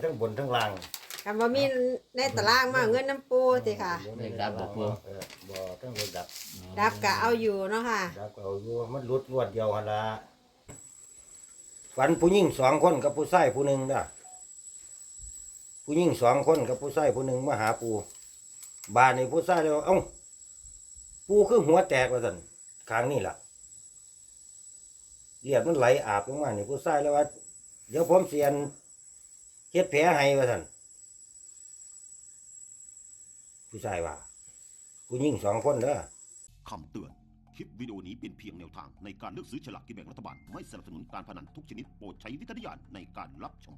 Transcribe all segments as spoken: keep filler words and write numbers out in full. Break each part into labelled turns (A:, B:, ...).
A: ทั้งบนทั้งล่าง
B: กันว่ามีในตารางมาเงินน้ำปูสิค่ะ
C: เลขดับบ่ปู
A: เออบ่ทั้งเลขดับ
B: ดับกะเอาอยู่เนาะค่ะ
A: ดับก็เอาอยู่มันหลุดรวดเดียวหั่นล่ะฝันผู้หญิงสองคนกับผู้ชายผู้หนึ่งเด้อผู้หญิงสองคนกับผู้ชายผู้หนึ่งมาหาปูบ้านนี่ผู้ชายเลยว่าเอ้าปูคือหัวแตกว่าซั่นข้างนี่ล่ะเลือดมันไหลอาบลงมานี่ผู้ชายเลยว่าเดี๋ยวผมเสียนเฮ็ดแผลให้ว่าซั่นผู้ชายว่าผู้หญิงสองคนเด้อ
D: คำเตือน คลิปวิดีโอนี้เป็นเพียงแนวทางในการเลือกซื้อฉลากกินแบ่งรัฐบาล ไม่สนับสนุนการพนันทุกชนิดโปรดใช้วิจารณญาณในการรับชม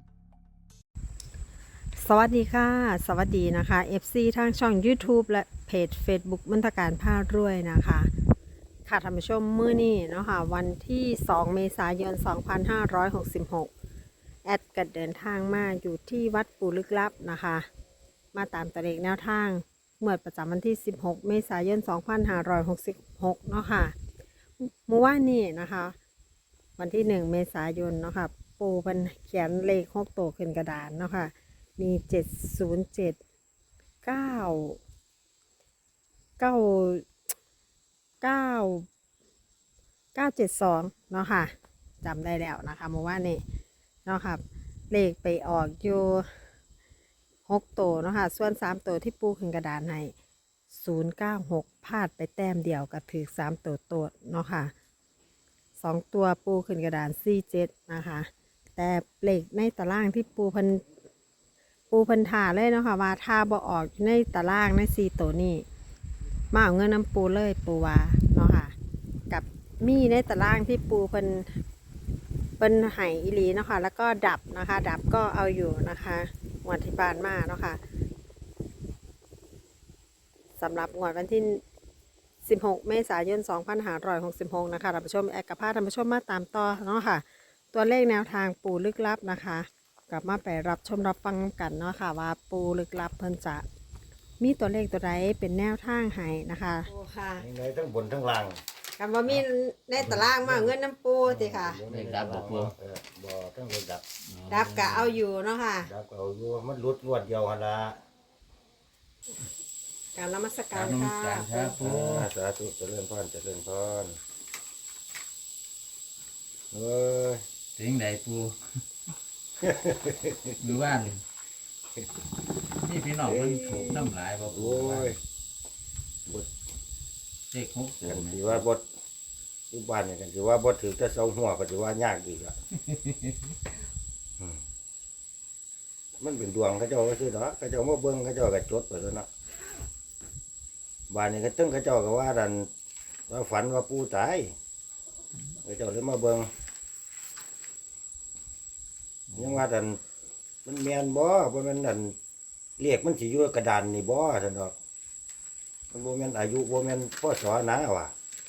B: สวัสดีค่ะ สวัสดีนะคะ เอฟ ซี ทางช่อง YouTube และเพจ Facebook มนตการพารวยนะคะค่ะท่านผู้ชมมื้อนี้เนาะค่ะวันที่สองเมษายนสองพันห้าร้อยหกสิบหกแอดกัดเดินทางมาอยู่ที่วัดปู่ลึกลับนะคะมาตามตัวเลขแนวทางเมื่อประจำวันที่สิบหกเมษายนสองพันห้าร้อยหกสิบหกเนาะค่ะเมื่อวานนี้นะคะวันที่หนึ่งเมษายนเนาะค่ะปู่เป็นเขียนเลขหกตัวขึ้นกระดานเนาะค่ะมีเจ็ดศูนย์เจ็ดเก้าเก้าเก้าเก้าเจ็ดสองเนาะค่ะจำได้แล้วนะคะเมื่อวานนี้เนาะค่ะเลขไปออกอยู่หกตัวเนาะค่ะส่วนสามตัวที่ปูขึ้นกระดานให้ศูนย์เก้าหกพลาดไปแต้มเดียวกับถือสามตัวโตดเนาะค่ะสองตัวปูขึ้นกระดานสี่เจ็ดนะคะแต่เลขในตารางที่ปูพันปูพันถาเลยเนาะค่ะว่าถ้าบ่ออกในตารางในสี่ตัวนี้มาเอาเงินน้ำปูเลยปูว่าเนาะค่ะกับมีในตารางที่ปูเพิ่นเป็นไห่อีหลีเนาะค่ะแล้วก็ดับนะคะดับก็เอาอยู่นะคะงวดที่ผ่านมาเนาะค่ะสำหรับงวดวันที่สิบหกเมษายนสองพันห้าร้อยหกสิบหกนะคะท่านผู้ชมแอกกับพาท่านผู้ชมมาตามต่อเนาะค่ะตัวเลขแนวทางปูลึกลับนะคะกลับมาไปรับชมรับฟังกันเนาะค่ะว่าปูลึกลับเพิ่นจะมีตัวเลขตัวใดเป็นแนวทางให้นะคะโอ้ค่ะ
A: ยังไงทั้งบนทั้งล่าง
B: กันว่ามีในตารางมาเงินน้ำปูสิค่ะ
C: เลขดับบ่ปู
A: เออบ่ทั้งเลขดับ
B: ดับกะเอาอยู่เนาะค่ะ
A: ดับก็เอาอยู่มันหลุดรวดเดียวหั่นล่ะ
B: การนมัส
C: ก
B: การ
C: รนมั
B: ค่ะ
C: สการครับปู
A: อ่าสาธุเจริญพรเจริญพรเอ้ย
C: ถึงไหนปูอยู่บ้านนี่พี่น้องมันถูกน้ำหลายบ่ปู
A: โอ้ย
C: เลขหกตัว
A: กัน
C: แม่
A: สิว่าบดอยู่บ้านเนี่ยกันสิว่าบดถือแต่เสาหัวก็สิว่ายากอีกละอืมมันเป็นดวงเขาเจ้าก็ซื้อเนาะเขาเจ้ามาเบิ่งเขาเจ้าก็จดไปแล้วเนาะบ้านนี้ก็ตึ้งเขาเจ้าก็ว่าดันว่าฝันว่าปูตายเขาเจ้าเลยมาเบิ่งยังว่าดันมันแม่นบ่บ่แม่นดันเรียกมันสิอยู่กระดานนี่บ่ซั่นดอกมันบ่แม่นอายุบ่แม่นพศนะว่ะ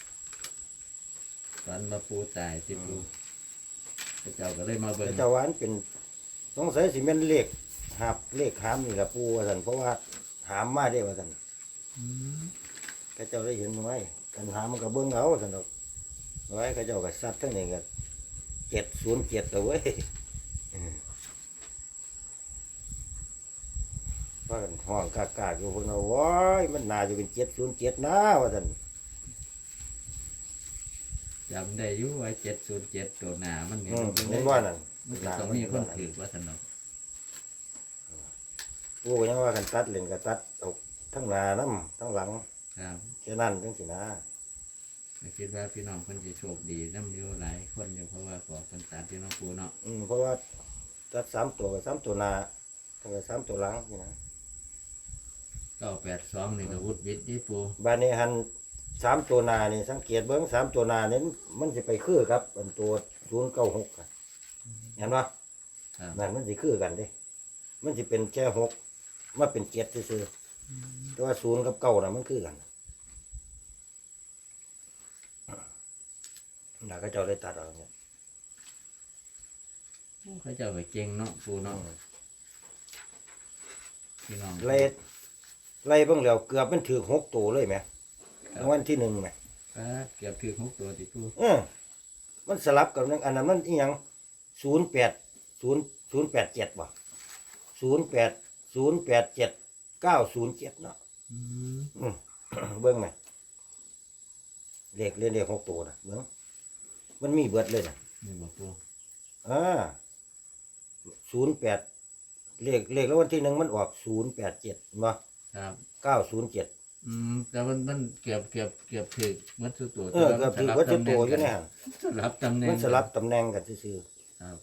C: ตอนมาปูตายที่ปูพระเจ้าก็เลยมาเบิ่ง
A: แต่เจ้าว่าอันเป็นสงสัยสิแม่นเลขหับเลขหามนี่ล่ะปู่ว่าซั่นเพราะว่าหามมาได้ว่าซั่น
C: อืม
A: เขาเจ้าได้เห็นไว้กันหามมันก็เบิ่งเอาซั่นดอกไว้เขาเจ้าก็ซัดทั้งนี้ก็เจ็ดศูนย์เจ็ดแล้วเว้ยว่ากันห้องกากๆอยู่พุ่นเอาโว้ยมันน่าจะเป็นเจ็ดศูนย์เจ็ดนะว่าซั่น
C: จำได้อยู่ไว้เจ็ดศูนย์เจ็ดตัวหนามันนี่
A: อืม
C: มัน
A: เห็นว่านั่น
C: มันจะต้องมีคนถือว่าสนุก
A: ปู่ก็ยังว่ากันตัดเล่นก็ตัดเอาทั้งหน้านํทั้งหลัง
C: ครับ
A: แค่นั้นจังสินะ
C: ก็คิดว่าพี่น้องคนจะโชคดีน้ำอยู่หลายคนอยู่เพราะว่าก่อคนตามที่น้องปูเนาะ
A: อืมเพราะว่าตัดสามตัวกับสามตัวหน้าแล้วก็สามตัวหลังนี่นะ
C: เก้าแปดสองนี่ก็วุฒิวิทย์ที่ปู
A: บ้านนี้หันสามตัวหนานี่สังเกตเบิ้งสามตัวหนานี่มันจะไปคือครับอันตัวศูนย์เก้าหกเห็นปะ
C: ครับ
A: นั่นมันจะคือกันเดิมันจะเป็นแค่หกมาเป็นเจ็ดซื่อๆแต่ว่าศูนย์กับเก้าน่ะมันคือกันน่าก็เจ้าได้ตัดเอาเนี่ย
C: เขาเจ้าไปเก่งเนาะปูเนาะพี่น้อง
A: ไล่ไล่เบิ้งแล้วเกือบมันถือหกตัวเลยไหมรางวัลที่หนึ่งไหม
C: ครับเกือบถือหกตัวติปู
A: เออมันสลับกับอันนั้นมันอีหยังศูนย์แปดศูนย์ศูนย์แปดเจ็ดบ่ศูนย์แปดศูนย์แปดเจ็ดเก้าศูนย์เจ็ดเนาะ
C: อืม
A: อืม เบิ้งไหมเลขเล่นเลขหกตัวนะเบิ้งมันมีเบิดเลยนะ
C: นี่บ่ปู
A: อ่าศูนย์แปดเลขเลขแล้ววันที่หนึ่งมันออกศูนย์แปดเจ็ดมา
C: ครับ
A: เก้าศูนย์เจ็ด
C: อืมแต่มันมันเกือบเกือบเกือบถึกมัดสุดตัว
A: เออเกือบถือว่าจะตัวอยู่เนี่ย
C: สลับตำแหน่ง
A: มันสลับตำแหน่งกันซื่อ
C: ครับ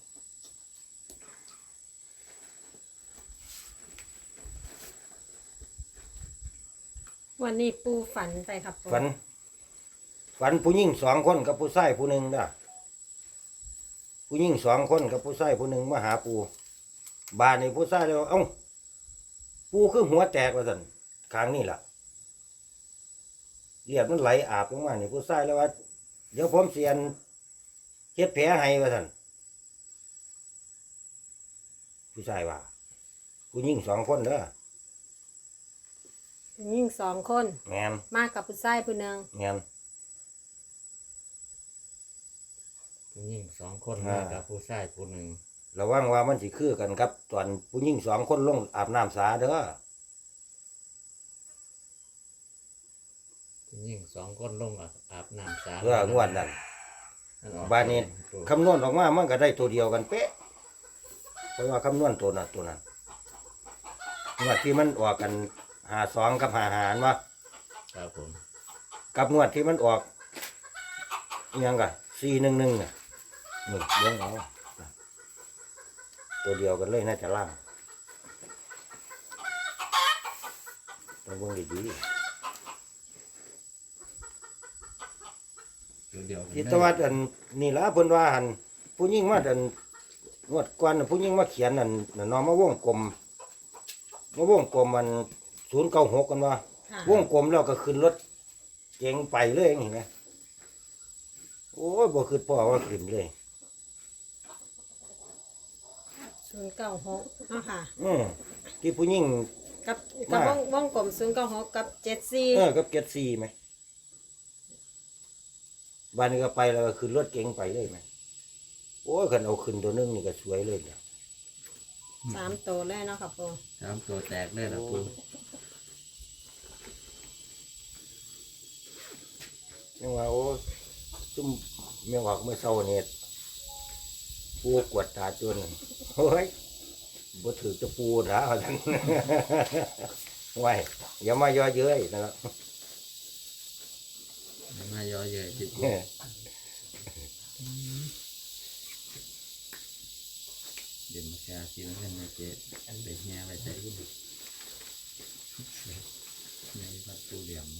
B: วันนี้ปูฝันไปครับปู
A: ๆฝัน ฝันผู้หญิงสองคนกับผู้ชายผู้หนึ่งนะผู้หญิงสองคนกับผู้ชายผู้หนึ่งมาหาปูบานในผู้ชายเลยว่าเอ้าปูคือหัวแตกว่าสันครั้งนี้ล่ะเลือดมันไหลอาบลงมาในผู้ชายแล้วว่า เดี๋ยวผมเสียนเฮ็ดแผลให้ว่าสันผู้ชายว่า ผู้หญิงสองคนเด้อ
B: ยิ่งสองคน
A: แมน
B: มากับผู้ชายผู้หนึ่ง
A: แมน
C: ผู้หญิงสองคน
A: อ่า
C: มากับผู้ชายผู้หนึ่ง
A: ระวังว่ามันสิคือกันครับตอนผู้หญิงสองคนลงอาบน้ำสาเด้อ
C: ผู้หญิงสองคนลงอาบน้ำสา
A: เพื่องวดนั้น
C: มันออก
A: บ้านนี้
C: ปู
A: คำนวณออกมามันก็ได้ตัวเดียวกันเป๊ะเพราะว่าคำนวณตัวนั้นตัวนั้นงวดที่มันออกกันหาสองกับหาหารวะ
C: ครับผม
A: กับงวดที่มันออกอิหยังกันสี่หนึ่งหนึ่งนี่เลี้ยงเอาตัวเดียวกันเลยน่าจะล่างต้องเบิ่งดี
C: ตัวเดียว
A: ๆที่ตะวัดอันนี่ละเพิ่นว่าหันผู้ยิ่งมาอันงวดก่อนน่ะผู้ยิ่งมาเขียนอันน่ะน้องมาวงกลมมาวงกลมมันศูนย์เก้าหกกันว่า
B: ค่ะ
A: วงกลมแล้วก็ขึ้นรถเก๋งไปเลยเห็นไหมโอ้ยบ่คือพ่อว่าขึ้นเลย
B: ศูนย์เก้าหกเนาะค่ะ
A: อืมที่ผู้หญิง
B: กับกับ
A: มา
B: วงวงกลมศูนย์เก้าหกกับเจ็ดสี่
A: เออกับเก็ดซีไหมบ้านนี้ก็ไปแล้วก็ขึ้นรถเก๋งไปเลยไหมโอ้ยคันเอาขึ้นตัวนึงนี่ก็สวยเลยเนี่ย
B: สามตัวเลยเนาะครับปู
C: สามตัวแตกเลยนะปู
A: ยังว่าโอ้ซุ่มเมียงออกเมื่อเช้าเนี่ยปูกวดตาจนเฮ้ยบ่ถือจะปูนะว่าซั่น ไว้อย่ามาย่อเย้ยนะครับ
C: มายอเยอะจิปูเดี๋ยวมาแชร์ซีนั่นนะเจ๊อันเดียวแง่ไปใส่กูดิในวัดตูเหลี่ยม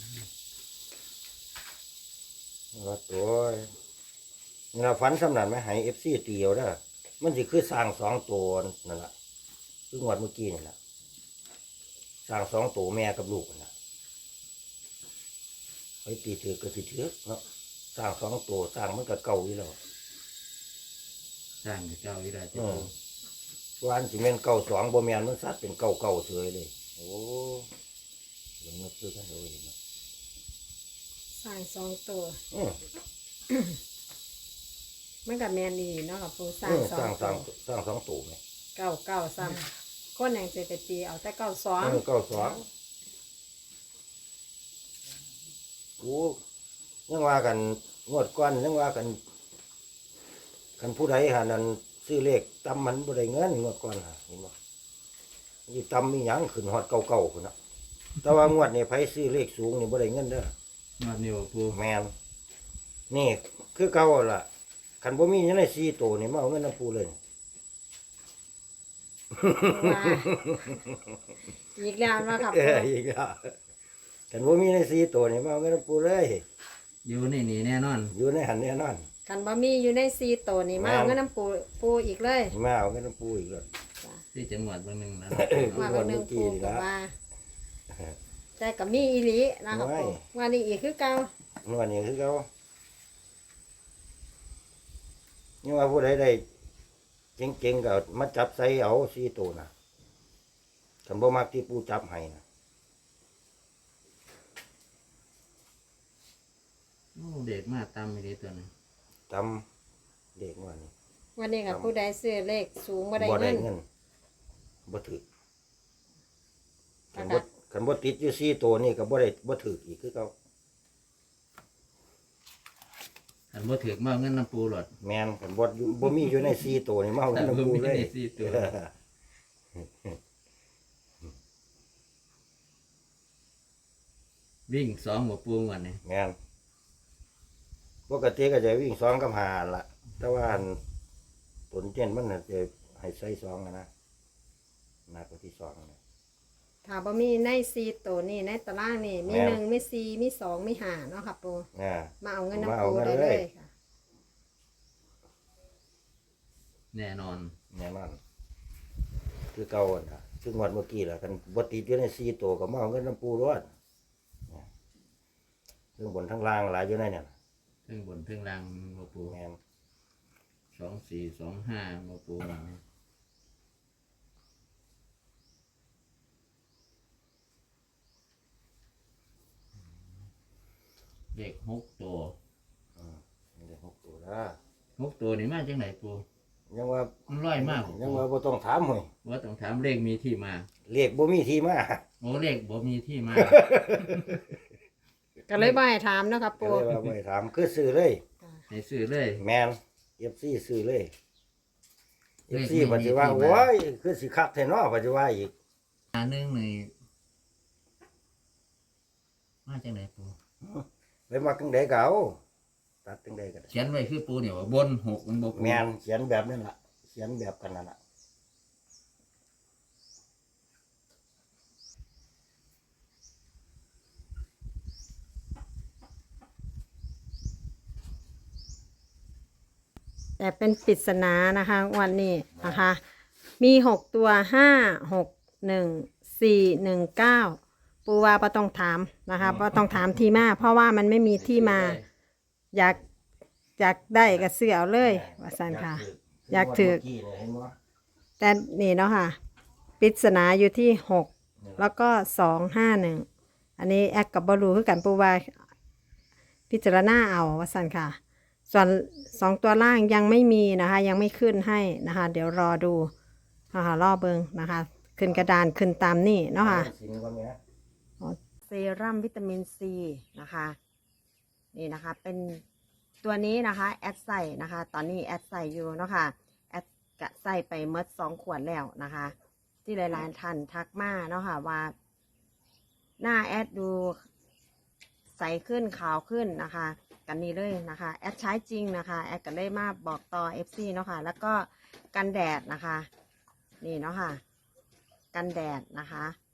A: ว่าตัวนี่เราฝันสำนันไหมให้เอฟซีตีเอาเด้อมันสิคือสร้างสองตัวนั่นแหละคืองวดเมื่อกี้นี่แหละสร้างสองตัวแม่กับลูกนั่นแหละไปตีถือก็สิถือเนาะสร้างสองตัวสร้างมันก็เก่าอยู่แล้ว
C: สร้างกับเจ้าวิราช
A: อื
C: ปู
A: มวันสิเมนเก่าสองบ่แมนมันสัตว์เป็นเก่าเก่าเฉยเลย โอ้ยยังนึกคือกันเลยเนาะ
B: สร้างสองตัว
A: อืม
B: มันกับแมนดีเนาะครับปูสร้า
A: อื
B: ง
A: ม
B: สอ
A: สร้าง งส
B: ตั
A: ร้าง
B: ว
A: สร้างสองตัวไหม
B: เก้าเก้าซ้ำคนแห่งเจไปตีเอาแต่เก้าสอง
A: เออเก่าสองโอ้ยังว่ากันงวดก้อนยังว่ากันกันผู้ใดหานั้นซื้อเลขตำมันบ่ได้เงินงวดก้อนหาเห็นบ่นี่ตำมีหยังขึ้นฮอดเก่าๆพุ่นน่ะแต่ว่างวดนี้ไผซื้อเลขสูงนี่บ่ได้เงินเด้อ
C: มาเนี่ยวปู
A: แม่นนี่คือเก่าล่ะคันบ่มีอยู่ในสี่ตัวนี่มาเอาเงินน้ำปูเลย
B: ว่าอีกแล้วเนาะครับ
A: เอ
B: ปู
A: ออีกแล้วคันบ่มีในสี่ตัวนี่มาเอาเงินน้ำปูเลย
C: อยู่ในนี่แน่นอน
A: อยู่ในหันแน่นอน
B: กันบะมีอยู่ในซีตัวนี่มาเอาเงินน้ำปูปูอีกเลย
A: มาเอาเงินน้ำปูอีกแล้ว
C: ที่จังหวัดบางหนึ่งนะ
B: มาเป็นหนึ่งปูกับว่าแต่กับมีอีหลีนะครับปูวันนี้อีกคือเก่า
A: นวดนี่คือเขานี่ว่าผู้ใดได้เก่งๆก็มาจับใส่เอาสี่ตัวนะฉันบ่มักที่ปูจับให้นะ
C: โอ้เด็กมาตามไม่ได้ตัวนึง
A: จำเด็กว่านี่
B: วันนี้กับผู้ใดซื้อเลขสูงบ่ได้
A: บ่ได้
B: เงิน
A: เงินบบ่ถือคันบ่คันบ่ติดอยู่สี่ตัวนี่ก็บ่ได้บ่ถืออีกคือเก่า
C: อันบ่ถือมาเอาเงินน้ำปูหลด
A: แม่นคันบ่อยู่บ่มีอยู่ในสี่ตัวนี่มาเอาเงินน้ำปูเลย
C: บ่มีในสี่ตัว วิ่งสองหัวปูวันนี้
A: แม่นปกติก็จะวิ่งสองกับห้าล่ะ แต่ว่าอันตนเจนมันน่ะจะให้ใส่สองอะนะหนักกว่าที่สองนะ
B: ถ้าบ่มีในซีตัวนี่ในตารางนี่มี
A: แม่น
B: หนึ่งมีสี่มีสองมีห้าเนาะค่ะปู
A: อ่า
B: มาเอาเงิน
A: มา
B: น้ำ
A: เอา
B: ปู
A: เงิน
B: ได้
A: เล
B: เลย ยค่ะ
C: แน่นอน
A: แน่นอนคือเก่าอะนะซึ่งวันเมื่อกี้แหละกันบ่ติดอยู่ในสี่ตัวก็มาเอาเงินน้ำปูรวดซึ่งบนทั้งล่างหลายอยู่ในเนี่ย
C: ซึ่งบนเพิ่งล่างหัวปู
A: แม่น
C: สองสี่สองห้าหัวปูวันนี้เลขหกตัว
A: อืมนี่ได้หกตัวนะ
C: หกตัวนี่มาจากไหนปู
A: ยังว่า
C: มันร้อยมาก
A: ยังว่าบ่ต้องถามหอย
C: ว่าต้องถามเลขมีที่มา
A: เลขบ่มีที่มา
C: โอ้เลขบ่มีที่มา
B: ก็เลยบ่ให้ถามเนาะค่ะ
A: ก็
B: ปู
A: เลยว่าบ่ให้ถามคือซื้อเลย
C: ให้ซื้อเลย
A: แม่น เอฟ ซี ซื้อเลย เอ
C: เล
A: ฟ
C: ข
A: ซี
C: ไม่มี
A: ปัจจุบัน
C: ที่มา
A: โอ้ยคือสิคักแท้เนาะปัจจุบันอีก
C: อันหนึงนี่มาจากไหนปู
A: ไปมักจังได๋ก็เอาตัดจังได๋ก็ได้
C: เขียนไว้คือปูเนี่ยว่าบนหกมันบ่ปู
A: แม่นเขียนแบบนั้นล่ะเขียนแบบกันนั่นล่ะ
B: แต่เป็นปริศนานะคะวันนี้นะคะ มีหกตัวห้าหกหนึ่งสี่หนึ่งเก้าปูว่าบ่ต้องถามนะคะบ่ต้องถามที่มา เพราะว่ามันไม่มีที่มา อยากอยากได้ก็ซื้อเอาเลยว่าซั่นค่ะ อยากถือ
A: เมื่กี้เนี่ยเห็นบ่
B: แต่นี่เนาะค่ะปริศนาอยู่ที่หกแล้วก็สองห้าหนึ่งอันนี้แอคกับบรูคือกันปูว่าพิจารณาเอาว่าสันค่ะ ส่วนสองตัวล่างยังไม่มีนะคะ ยังไม่ขึ้นให้นะคะ เดี๋ยวรอดูนะคะรอเบิงนะคะ ขึ้นกระดานขึ้นตามนี่เนาะค่ะ
A: สิงก่อนแม่
B: เซรั่มวิตามินซีนะคะนี่นะคะเป็นตัวนี้นะคะแอดใส่นะคะ ตอนนี้แอดใส่อยู่เนาะค่ะแอดกะใส่ไปเมดสองขวดแล้วนะคะ ที่หลายๆท่านทักมาเนาะค่ะว่า หน้าแอดดูใสขึ้นขาวขึ้นนะคะกันนี้เลยนะคะแอดใช้จริงนะคะแอดก็เลยมาบอกต่อ เอฟ ซี เนาะค่ะแล้วก็กันแดดนะคะนี่เนาะค่ะกันแดดนะคะ